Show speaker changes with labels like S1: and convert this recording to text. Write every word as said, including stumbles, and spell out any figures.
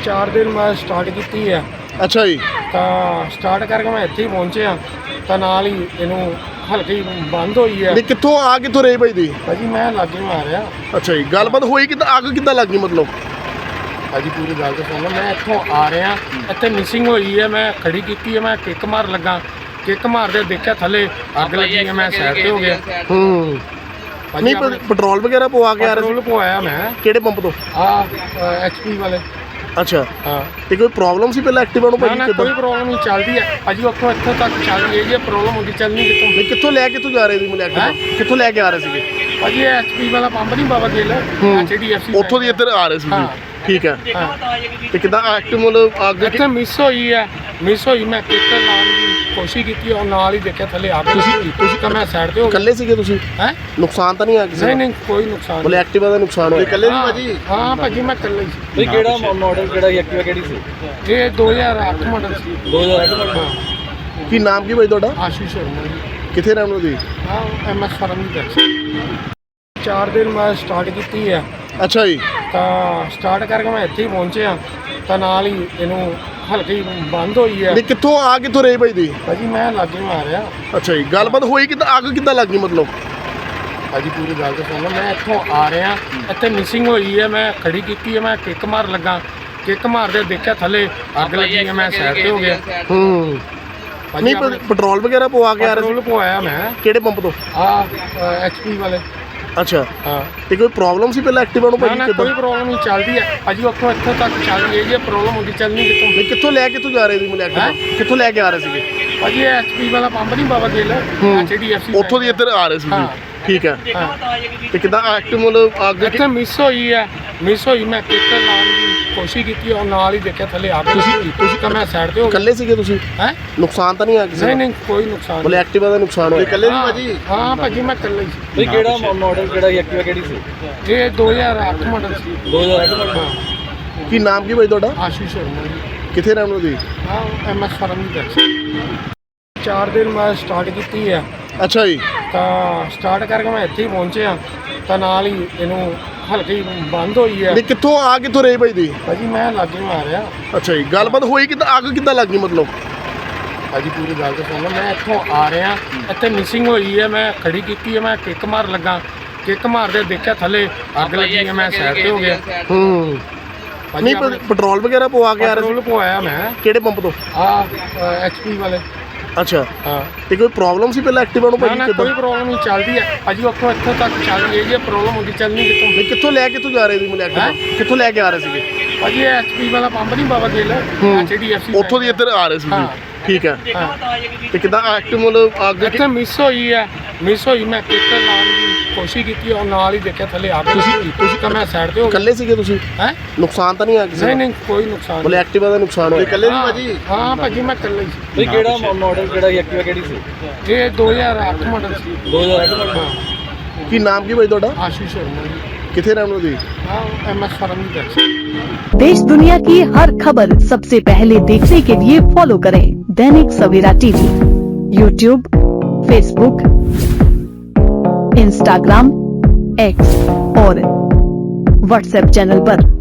S1: ਚਾਰ ਦਿਨ ਮੈਂ ਸਟਾਰਟ ਕੀਤੀ ਹੈ।
S2: ਅੱਛਾ ਜੀ।
S1: ਤਾਂ ਸਟਾਰਟ ਕਰਕੇ ਮੈਂ ਇੱਥੇ ਹੀ ਪਹੁੰਚਿਆ ਤਾਂ ਨਾਲ ਹੀ ਇਹਨੂੰ ਹਲਕੀ ਬੰਦ ਹੋਈ ਹੈ।
S2: ਨਹੀਂ ਕਿੱਥੋਂ ਆ ਕਿੱਥੋਂ ਰਹੇ ਭਾਈ ਦੀ?
S1: ਭਾਜੀ ਮੈਂ ਲਾਗੇ ਮਾਰਿਆ।
S2: ਅੱਛਾ ਜੀ, ਗੱਲਬਾਤ ਹੋਈ ਕਿੱਦਾਂ, ਅੱਗ ਕਿੱਦਾਂ ਲੱਗੀ ਮਤਲਬ?
S1: ਭਾਜੀ ਪੂਰੀ ਗੱਲ ਤਾਂ ਸੁਣੋ, ਮੈਂ ਇੱਥੋਂ ਆ ਰਿਹਾ, ਇੱਥੇ ਮਿਸਿੰਗ ਹੋਈ ਹੈ, ਮੈਂ ਖੜੀ ਕੀਤੀ ਹੈ, ਮੈਂ ਕਿੱਕ ਮਾਰ ਲੱਗਾ, ਕਿੱਕ ਮਾਰਦੇ ਦੇਖਿਆ ਥੱਲੇ ਅੱਗ ਲੱਗੀ ਹੈ, ਮੈਂ ਸਾਈਡ ਤੇ ਹੋ ਗਿਆ।
S2: ਹੂੰ
S1: ਭਾਜੀ
S2: ਨਹੀਂ ਪ- ਪੈਟਰੋਲ ਵਗੈਰਾ ਪਵਾ ਕੇ ਆ ਰਹੇ
S1: ਪੈਟਰੋਲ ਪਵਾਇਆ ਮੈਂ
S2: ਸੀ ਕਿਹੜੇ ਪੰਪ ਤੋਂ?
S1: ਆ ਐਚਪੀ ਵਾਲੇ।
S2: ਅੱਛਾ,
S1: ਹਾਂ
S2: ਤੇ ਕੋਈ ਪ੍ਰੋਬਲਮ ਸੀ ਪਹਿਲਾਂ ਐਕਟਿਵਾ ਨੂੰ
S1: ਨਾ
S2: ਭਾਜੀ
S1: ਨਾ
S2: ਕਿੱਦਾਂ?
S1: ਕੋਈ ਪ੍ਰੋਬਲਮ ਨਹੀਂ ਚੱਲਦੀ ਹੈ ਭਾਜੀ, ਉੱਥੋਂ ਇੱਥੋਂ ਤੱਕ ਚੱਲ ਰਹੀ ਹੈ। ਜੇ ਪ੍ਰੋਬਲਮ ਹੁੰਦੀ ਚੱਲਣੀ ਕਿੱਥੋਂ?
S2: ਨਹੀਂ ਕਿੱਥੋਂ ਲੈ ਕੇ ਤੂੰ ਜਾ ਰਹੇ ਸੀ ਮੈਨੂੰ ਐਕਟਿਵਾ? ਕਿੱਥੋਂ ਲੈ ਕੇ ਆ ਰਹੇ ਸੀਗੇ?
S1: ਭਾਜੀ ਇਹ ਐਚਪੀ ਵਾਲਾ ਪੰਪ ਨਹੀਂ ਬਾਬਾ ਗਿੱਲ, ਐਚਡੀਐਫਸੀ
S2: ਉੱਥੋਂ ਦੀ ਇੱਧਰ ਆ ਰਹੇ ਸੀ
S1: ਹਾਂ।
S2: ਠੀਕ ਹੈ,
S1: ਹਾਂ
S2: ਤੇ ਕਿੱਦਾਂ ਐਕਟਿਵ ਮਤਲਬ ਅੱਗ
S1: ਇੱਥੇ ਮਿਸ ਹੋਈ ਹੈ, ਮਿਸ ਹੋਈ, ਮੈਂ ਕਿੱਕ ਲਾਉਣ ਦੀ ਕੋਸ਼ਿਸ਼ ਕੀਤੀ ਔਰ ਨਾਲ ਹੀ ਦੇਖਿਆ ਥੱਲੇ ਅੱਗ ਲੱਗੀ। ਤੁਸੀਂ ਤਾਂ ਮੈਂ ਸਾਈਡ ਤੇ ਹੋ ਗਿਆ।
S2: ਇਕੱਲੇ ਸੀਗੇ ਤੁਸੀਂ?
S1: ਹੈ
S2: ਨੁਕਸਾਨ ਤਾਂ ਨਹੀਂ ਆ ਕਿਸੇ
S1: ਨਹੀਂ
S2: ਦਾ?
S1: ਨਹੀਂ ਕੋਈ ਨੁਕਸਾਨ
S2: ਬੋਲੇ ਐਕਟਿਵਾ ਦਾ ਨੁਕਸਾਨ ਹੋਇਆ? ਇਕੱਲੇ
S1: ਨਹੀਂ ਭਾਜੀ। ਹਾਂ ਭਾਜੀ ਮੈਂ ਇਕੱਲਾ ਹੀ ਸੀ।
S3: ਬਈ ਕਿਹੜਾ ਮਾਡਲ ਕਿਹੜਾ ਐਕਟਿਵਾ ਕਿਹੜੀ ਸੀ?
S1: ਇਹ ਦੋ ਹਜ਼ਾਰ ਅੱਠ ਮਾਡਲ ਸੀ।
S3: ਦੋ ਹਜ਼ਾਰ ਅੱਠ ਮਾਡਲ।
S1: ਹਾਂ
S2: ਕੀ ਨਾਮ ਕੀ ਭਾਈ ਤੁਹਾਡਾ?
S1: ਆਸ਼ੀਸ਼ ਸ਼ਰਮਾ ਜੀ।
S2: ਕਿੱਥੇ ਰਹਿਣ ਵਾਲੇ ਜੀ?
S1: ਹਾਂ ਐਮ ਐਸ ਫਰਮ ਦੀ ਬੈਕ। ਚਾਰ ਦਿਨ ਮੈਂ ਸਟਾਰਟ ਕੀਤੀ ਹੈ।
S2: ਅੱਛਾ ਜੀ।
S1: ਤਾਂ ਸਟਾਰਟ ਕਰਕੇ ਮੈਂ ਇੱਥੇ ਹੀ ਪਹੁੰਚਿਆ ਤਾਂ ਨਾਲ ਹੀ ਇਹਨੂੰ ਹਲਕੀ ਬੰਦ ਹੋਈ ਹੈ।
S2: ਨਹੀਂ ਕਿੱਥੋਂ ਆ ਕਿੱਥੋਂ ਰਹੇ ਭਾਈ ਦੀ?
S1: ਭਾਜੀ ਮੈਂ ਲਾਗੇ ਮਾਰਿਆ।
S2: ਅੱਛਾ ਜੀ, ਗੱਲਬਾਤ ਹੋਈ ਕਿੱਦਾਂ, ਅੱਗ ਕਿੱਦਾਂ ਲੱਗੀ ਮਤਲਬ?
S1: ਭਾਜੀ ਪੂਰੀ ਗੱਲ ਤਾਂ ਸੁਣੋ, ਮੈਂ ਇੱਥੋਂ ਆ ਰਿਹਾ, ਇੱਥੇ ਮਿਸਿੰਗ ਹੋਈ ਹੈ, ਮੈਂ ਖੜੀ ਕੀਤੀ ਹੈ, ਮੈਂ ਕਿੱਕ ਮਾਰ ਲੱਗਾ, ਕਿੱਕ ਮਾਰਦੇ ਦੇਖਿਆ ਥੱਲੇ ਅੱਗ ਲੱਗੀ ਹੈ, ਮੈਂ ਸਾਈਡ ਤੇ ਹੋ ਗਿਆ।
S2: ਹੂੰ
S1: ਭਾਜੀ
S2: ਨਹੀਂ ਪ- ਪੈਟਰੋਲ ਵਗੈਰਾ ਪਵਾ ਕੇ ਆ ਰਹੇ
S1: ਪੈਟਰੋਲ ਪਵਾਇਆ ਮੈਂ
S2: ਸੀ ਕਿਹੜੇ ਪੰਪ ਤੋਂ?
S1: ਆ ਐਚਪੀ ਵਾਲੇ।
S2: ਅੱਛਾ,
S1: ਹਾਂ
S2: ਤੇ ਕੋਈ ਪ੍ਰੋਬਲਮ ਸੀ ਪਹਿਲਾਂ ਐਕਟਿਵਾ ਨੂੰ
S1: ਨਾ
S2: ਭਾਜੀ
S1: ਨਾ
S2: ਕਿੱਦਾਂ?
S1: ਕੋਈ ਪ੍ਰੋਬਲਮ ਨਹੀਂ ਚੱਲਦੀ ਹੈ ਭਾਜੀ, ਉੱਥੋਂ ਇੱਥੋਂ ਤੱਕ ਚੱਲ ਰਹੀ ਹੈ। ਜੇ ਪ੍ਰੋਬਲਮ ਹੁੰਦੀ ਚੱਲਣੀ ਕਿੱਥੋਂ?
S2: ਨਹੀਂ ਕਿੱਥੋਂ ਲੈ ਕੇ ਤੂੰ ਜਾ ਰਹੇ ਸੀ ਮੈਨੂੰ ਐਕਟਿਵਾ? ਕਿੱਥੋਂ ਲੈ ਕੇ ਆ ਰਹੇ ਸੀਗੇ?
S1: ਭਾਜੀ ਇਹ ਐਚਪੀ ਵਾਲਾ ਪੰਪ ਨਹੀਂ ਬਾਬਾ ਗਿੱਲ, ਐਚਡੀਐਫਸੀ
S2: ਉੱਥੋਂ ਦੀ ਇੱਧਰ ਆ ਰਹੇ ਸੀ
S1: ਹਾਂ।
S2: ਠੀਕ ਹੈ,
S1: ਹਾਂ
S2: ਤੇ ਕਿੱਦਾਂ ਐਕਟਿਵ ਮਤਲਬ ਅੱਗ
S1: ਇੱਥੇ ਮਿਸ ਹੋਈ ਹੈ, ਮਿਸ ਹੋਈ, ਮੈਂ ਕਿੱਕ ਲਾਉਣ ਦੀ ਕੋਸ਼ਿਸ਼ ਕੀਤੀ ਔਰ ਨਾਲ ਹੀ ਦੇਖਿਆ ਥੱਲੇ ਅੱਗ ਲੱਗੀ। ਤੁਸੀਂ ਤਾਂ ਮੈਂ ਸਾਈਡ ਤੇ ਹੋ ਗਿਆ।
S2: ਇਕੱਲੇ ਸੀਗੇ ਤੁਸੀਂ?
S1: ਹੈ
S2: ਨੁਕਸਾਨ ਤਾਂ ਨਹੀਂ ਆ ਕਿਸੇ
S1: ਨਹੀਂ
S2: ਦਾ?
S1: ਨਹੀਂ ਕੋਈ ਨੁਕਸਾਨ
S2: ਬੋਲੇ ਐਕਟਿਵਾ ਦਾ ਨੁਕਸਾਨ ਹੋਇਆ? ਇਕੱਲੇ
S1: ਹਾਂ ਹਾਂ ਭਾਜੀ ਮੈਂ ਇਕੱਲਾ ਹੀ ਸੀ।
S3: ਬਈ ਕਿਹੜਾ ਮਾਡਲ ਕਿਹੜਾ ਐਕਟਿਵਾ ਕਿਹੜੀ ਸੀ?
S1: ਇਹ ਦੋ ਹਜ਼ਾਰ ਅੱਠ ਮਾਡਲ ਸੀ।
S3: ਦੋ ਹਜ਼ਾਰ ਅੱਠ ਮਾਡਲ।
S1: ਹਾਂ
S2: ਕੀ ਨਾਮ ਕੀ ਭਾਈ ਤੁਹਾਡਾ?
S1: ਆਸ਼ੀਸ਼ ਸ਼ਰਮਾ ਜੀ।
S2: ਕਿੱਥੇ ਰਹਿਣ ਵਾਲੇ ਜੀ?
S1: ਹਾਂ ਐਮ ਐਸ ਫਰਮ ਦੀ ਬੈਕ। ਚਾਰ ਦਿਨ ਮੈਂ ਸਟਾਰਟ ਕੀਤੀ ਹੈ।
S2: ਅੱਛਾ ਜੀ।
S1: ਤਾਂ ਸਟਾਰਟ ਕਰਕੇ ਮੈਂ ਇੱਥੇ ਹੀ ਪਹੁੰਚਿਆ ਤਾਂ ਨਾਲ ਹੀ ਇਹਨੂੰ ਹਲਕੀ ਬੰਦ ਹੋਈ ਹੈ।
S2: ਨਹੀਂ ਕਿੱਥੋਂ ਆ ਕਿੱਥੋਂ ਰਹੇ ਭਾਈ ਦੀ?
S1: ਭਾਜੀ ਮੈਂ ਲਾਗੇ ਮਾਰਿਆ।
S2: ਅੱਛਾ ਜੀ, ਗੱਲਬਾਤ ਹੋਈ ਕਿੱਦਾਂ, ਅੱਗ ਕਿੱਦਾਂ ਲੱਗੀ ਮਤਲਬ?
S1: ਭਾਜੀ ਪੂਰੀ ਗੱਲ ਤਾਂ ਸੁਣੋ, ਮੈਂ ਇੱਥੋਂ ਆ ਰਿਹਾ, ਇੱਥੇ ਮਿਸਿੰਗ ਹੋਈ ਹੈ, ਮੈਂ ਖੜੀ ਕੀਤੀ ਹੈ, ਮੈਂ ਕਿੱਕ ਮਾਰ ਲੱਗਾ, ਕਿੱਕ ਮਾਰਦੇ ਦੇਖਿਆ ਥੱਲੇ ਅੱਗ ਲੱਗੀ ਹੈ, ਮੈਂ ਸਾਈਡ ਤੇ ਹੋ ਗਿਆ।
S2: ਹੂੰ
S1: ਭਾਜੀ
S2: ਨਹੀਂ ਪ- ਪੈਟਰੋਲ ਵਗੈਰਾ ਪਵਾ ਕੇ ਆ ਰਹੇ
S1: ਪੈਟਰੋਲ ਪਵਾਇਆ ਮੈਂ
S2: ਸੀ ਕਿਹੜੇ ਪੰਪ ਤੋਂ?
S1: ਆ ਐਚਪੀ ਵਾਲੇ।
S2: ਅੱਛਾ,
S1: ਹਾਂ
S2: ਤੇ ਕੋਈ ਪ੍ਰੋਬਲਮ ਸੀ ਪਹਿਲਾਂ ਐਕਟਿਵਾ ਨੂੰ
S1: ਨਾ
S2: ਭਾਜੀ
S1: ਨਾ
S2: ਕਿੱਦਾਂ?
S1: ਕੋਈ ਪ੍ਰੋਬਲਮ ਨਹੀਂ ਚੱਲਦੀ ਹੈ ਭਾਜੀ, ਉੱਥੋਂ ਇੱਥੋਂ ਤੱਕ ਚੱਲ ਰਹੀ ਹੈ। ਜੇ ਪ੍ਰੋਬਲਮ ਹੁੰਦੀ ਚੱਲਣੀ ਕਿੱਥੋਂ?
S2: ਨਹੀਂ ਕਿੱਥੋਂ ਲੈ ਕੇ ਤੂੰ ਜਾ ਰਹੇ ਸੀ ਮੈਨੂੰ ਐਕਟਿਵਾ? ਕਿੱਥੋਂ ਲੈ ਕੇ ਆ ਰਹੇ ਸੀਗੇ?
S1: ਭਾਜੀ ਇਹ ਐਚਪੀ ਵਾਲਾ ਪੰਪ ਨਹੀਂ ਬਾਬਾ ਗਿੱਲ, ਐਚਡੀਐਫਸੀ
S2: ਉੱਥੋਂ ਦੀ ਇੱਧਰ ਆ ਰਹੇ ਸੀ
S1: ਹਾਂ।
S2: ਠੀਕ ਹੈ,
S1: ਹਾਂ
S2: ਤੇ ਕਿੱਦਾਂ ਐਕਟਿਵ ਮਤਲਬ ਅੱਗ
S1: ਇੱਥੇ ਮਿਸ ਹੋਈ ਹੈ, ਮਿਸ ਹੋਈ, ਮੈਂ ਕਿੱਕ ਲਾਉਣ ਦੀ ਕੋਸ਼ਿਸ਼ ਕੀਤੀ ਔਰ ਨਾਲ ਹੀ ਦੇਖਿਆ ਥੱਲੇ ਅੱਗ ਲੱਗੀ। ਤੁਸੀਂ ਤਾਂ ਮੈਂ ਸਾਈਡ ਤੇ ਹੋ ਗਿਆ।
S2: ਇਕੱਲੇ ਸੀਗੇ ਤੁਸੀਂ?
S1: ਹੈ
S2: ਨੁਕਸਾਨ ਤਾਂ ਨਹੀਂ ਆ ਕਿਸੇ
S1: ਨਹੀਂ
S2: ਦਾ?
S1: ਨਹੀਂ ਕੋਈ ਨੁਕਸਾਨ
S2: ਬੋਲੇ ਐਕਟਿਵਾ ਦਾ ਨੁਕਸਾਨ ਹੋਇਆ? ਇਕੱਲੇ
S1: ਹਾਂ ਹਾਂ ਭਾਜੀ ਮੈਂ ਇਕੱਲਾ ਹੀ ਸੀ।
S3: ਬਈ ਕਿਹੜਾ ਮਾਡਲ ਕਿਹੜਾ ਐਕਟਿਵਾ ਕਿਹੜੀ ਸੀ?
S1: ਇਹ ਦੋ ਹਜ਼ਾਰ ਅੱਠ ਮਾਡਲ ਸੀ।
S3: ਦੋ ਹਜ਼ਾਰ ਅੱਠ ਮਾਡਲ।
S1: ਹਾਂ
S2: ਕੀ ਨਾਮ ਕੀ ਭਾਈ ਤੁਹਾਡਾ?
S1: ਆਸ਼ੀਸ਼ ਸ਼ਰਮਾ ਜੀ।
S2: ਕਿੱਥੇ ਰਹਿਣ ਵਾਲੇ ਜੀ?
S1: हाँ एम एस फर्म की वेबसाइट।
S4: देश दुनिया की हर खबर सबसे पहले देखने के लिए फॉलो करें दैनिक सवेरा TV, YouTube, Facebook, Instagram, x और व्हाट्सएप चैनल पर।